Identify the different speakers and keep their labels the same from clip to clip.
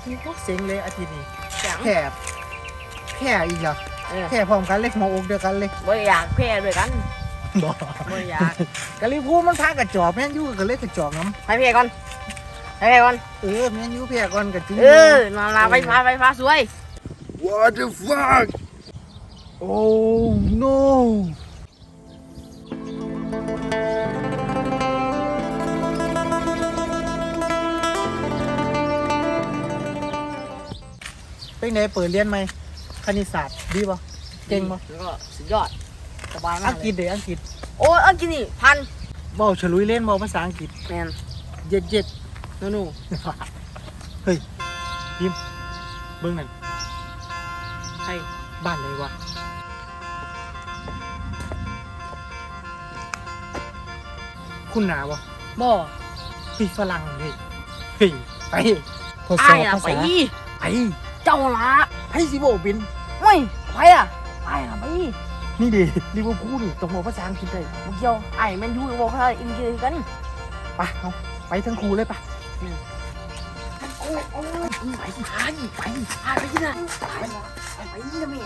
Speaker 1: พวกเซ็งเลยอาทิตย์นี้
Speaker 2: จัง
Speaker 1: แค่อีกเหรอแค่พร้อมกันเลยหมออกเดียวกันเลย
Speaker 2: บ่อยากแพ้ด้วยกัน
Speaker 1: บอก
Speaker 2: บ่อยาก
Speaker 1: กะลิพูมันพากระจอกแม่นยูก็เลยกระจอกน้
Speaker 2: ให้แพ้ก่อนให้แพ้ก่อน
Speaker 1: ำแม่นยูเพียก่อนกระจุ้
Speaker 2: นาลาไฟฟ้าสวย
Speaker 3: What the fuck
Speaker 1: Oh no เป็นไงเปิดเรียนไหมคณิตศาสตร์ดีป่ะเก่งป่ะ
Speaker 2: แล้วก็สุดยอดสบายมา
Speaker 1: อั
Speaker 2: ก
Speaker 1: ง
Speaker 2: เล
Speaker 1: กฤษ
Speaker 2: ย
Speaker 1: เดี๋ยวอังกฤษ
Speaker 2: โอ้อังกฤษนี่พัน
Speaker 1: เบ้าฉลุยเล่นเบ้าภาษาอังกฤษ
Speaker 2: แมน
Speaker 1: เย็ด
Speaker 2: หนู
Speaker 1: เฮ้ยพิมเบิ้งนั่น
Speaker 2: ให้
Speaker 1: บ้านไหนวะคุณหนาวะ
Speaker 2: บ่
Speaker 1: พี่ฝรั่งเลยเฮ้ยไปทดส
Speaker 2: อ้า
Speaker 1: อบ
Speaker 2: ยอะ
Speaker 1: ภา
Speaker 2: ไป
Speaker 1: ษาไป
Speaker 2: เจ้าละ
Speaker 1: ให้สิโบบิน
Speaker 2: ไม่ไปอะอ้ายอะไป
Speaker 1: นี่ดิลิเวอร์พูลนี่ต้องบอกภาษาอังกฤษได้
Speaker 2: บ่เกี่ยวอ้ายแมนยูกับบ่ภาษาอังกฤษกัน
Speaker 1: ไปเอาไปทั้งครูเลยปะ
Speaker 2: โอ้ไปที่น่ะไปนะแม่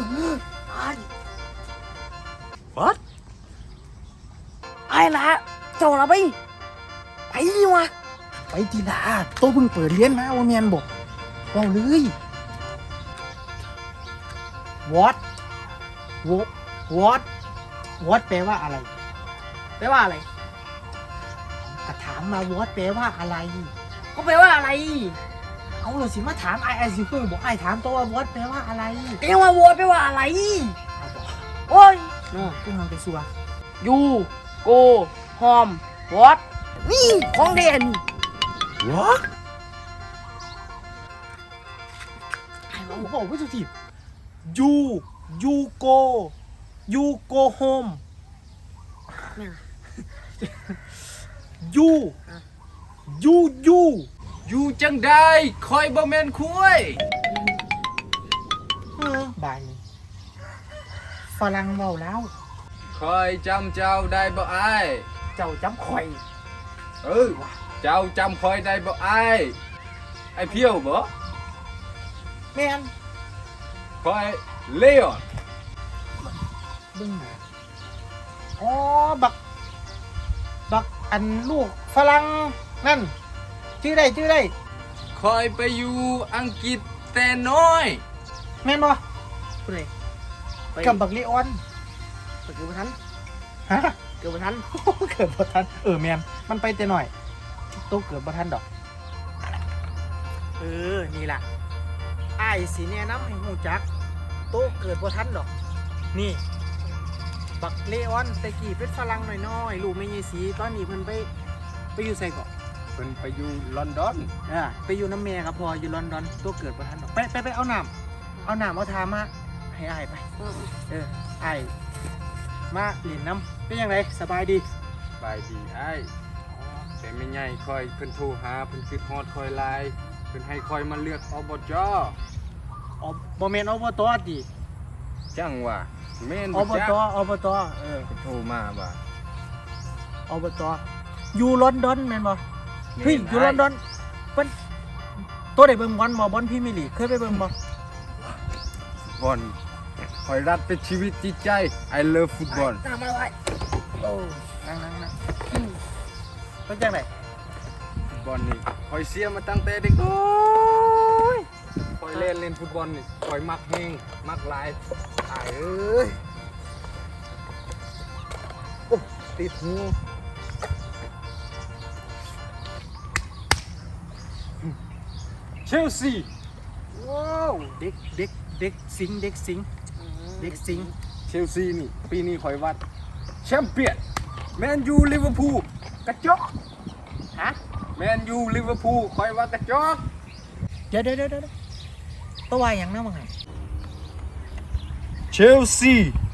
Speaker 1: What
Speaker 2: อ้ายละเจ้าละไปดีวะ
Speaker 1: ไปทีละโตเพิ่งเปิดเรียนมาว่าเมียนบอกเอาเลย What What แปลว่าอะไร
Speaker 2: แปลว่าอะไร
Speaker 1: ก็ถามมา What แปลว่าอะไร
Speaker 2: ก็แปลว่าอะไร
Speaker 1: เอาเลยสิมาถามไอซิเพิ่งบอกไอถามตัวว่า What แปลว่าอะไร
Speaker 2: แปลว่าวัวแปลว่าอะไร
Speaker 1: เอาบอก
Speaker 2: โอ้ย
Speaker 1: กูทำไปสัว
Speaker 2: ยูโกฮอมวอตนี่ของเด่น
Speaker 1: What โอ้โหไม่ถูกที You go home you
Speaker 3: อยู่จังได้คอยบ่แม่นคุย
Speaker 1: บ่ายนี้ฝรั่งเมาแล้ว
Speaker 3: คอยจำเจ้าได้บ่อ้าย
Speaker 1: เจ้าจำข่อย
Speaker 3: เจ้าจำคอยได้บ่อ้ายไอเพียวบ่
Speaker 1: แม่น
Speaker 3: คอยเลออน
Speaker 1: เบึ้งหนาอ๋อบักอันลูกฝรั่งนั่นชื่อได้
Speaker 3: คอยไปอยู่อังกฤษแต่น้อย
Speaker 1: แม่นบ่
Speaker 2: ผู้ใดไป
Speaker 1: กับบักลีออน
Speaker 2: เกิดบ่ทัน
Speaker 1: ฮะ
Speaker 2: เกิดบ่ทัน
Speaker 1: เกิดบ่ทันแม่นมันไปแต่หน่อยโตเกิดบ่ทันดอกนี่ล่ะอ้ายสิแนะนำให้ฮู้จักโตเกิดบ่ทันดอกนี่บักเลออนแต่กี้เป็นฝรั่งน้อยๆลูกแม่ยายสีตอนนี้เพิ่นไปอยู่ไสเกาะ
Speaker 3: เพิ่นไปอยู่ลอนดอน
Speaker 1: ไปอยู่น้ำแม่กับพออยู่ลอนดอนตัวเกิดบ่ทันดอกไปเอาน้ำเอาทามาให้อ้ายไปอ้ายมาเล่นน้ำเป็นยังไงสบายดี
Speaker 3: บายดีอ้ายแต่ไม่ใหญ่คอยเพิ่นโทรหาเพิ่นคิดฮอดคอยไลน์เพิ่นให้คอยมาเลือกอบจ
Speaker 1: บ่แม่นอบตติ
Speaker 3: จังว่าแม่น
Speaker 1: อบ
Speaker 3: จัก
Speaker 1: ตอบต
Speaker 3: เพิ่นโทรมาว่า
Speaker 1: อบตอยู่ลอนดอนแม่นบ่เฮ้ยอยู่ลอนดอนเพิ่นตัวได้เบิ่งบอลบ่บอลพรีเมียร์ลีกเคยไปเบิ่งบ่
Speaker 3: บอลคอยรัดเป็นชีวิตจิตใจ I love football
Speaker 2: ตามมาไว้
Speaker 1: โอ้นั่งเป็นจังได๋
Speaker 3: บอลนี่คอยเสียมาตั้งแต่เด็กน้อยคอยเล่นฟุตบอลนี่คอยมักเฮงมักหลายตายเอ้ยโอ้ติดหูเชลซี
Speaker 1: ว้าวเด็กสิงเด็กสิง
Speaker 3: เชลซีนี่ปีนี้คอยวัดแชมเปี้ยนแมนยูลิเวอร์พูลกระจอก
Speaker 1: ฮะ
Speaker 3: แมนยูลิเวอร์พูลคอยวัดกระจอก
Speaker 1: เดี๋ยวตัวว่าหยังนะมึง
Speaker 3: เชลซี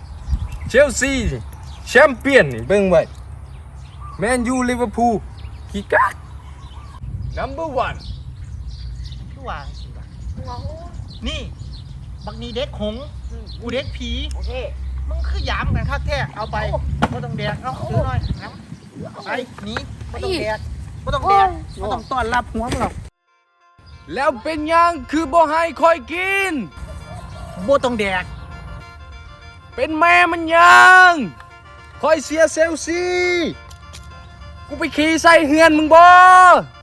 Speaker 3: แชมเปี้ยนนี่เบิ่งไว้แมนยูลิเวอร์พูลขี้กัก number one
Speaker 1: คือว่าสิวะนี่บักนี้เด็กหงส์กูเด็กผี
Speaker 2: โอเค
Speaker 1: มึงคือยามกันคักแท้เอาไปบ่ต้องแดกเอาซื้อหน่อยน้ำไปหนีบ่ต้องแดกบ่ต้องต้อนรับหัวมึงหรอก
Speaker 3: แล้วเป็นยังคือบ่ให้คอยกิน
Speaker 1: บ่ต้องแดก
Speaker 3: เป็นแม่มันยังคอยเสียเซลซีกูไปขี่ใส่เฮือนมึงบ่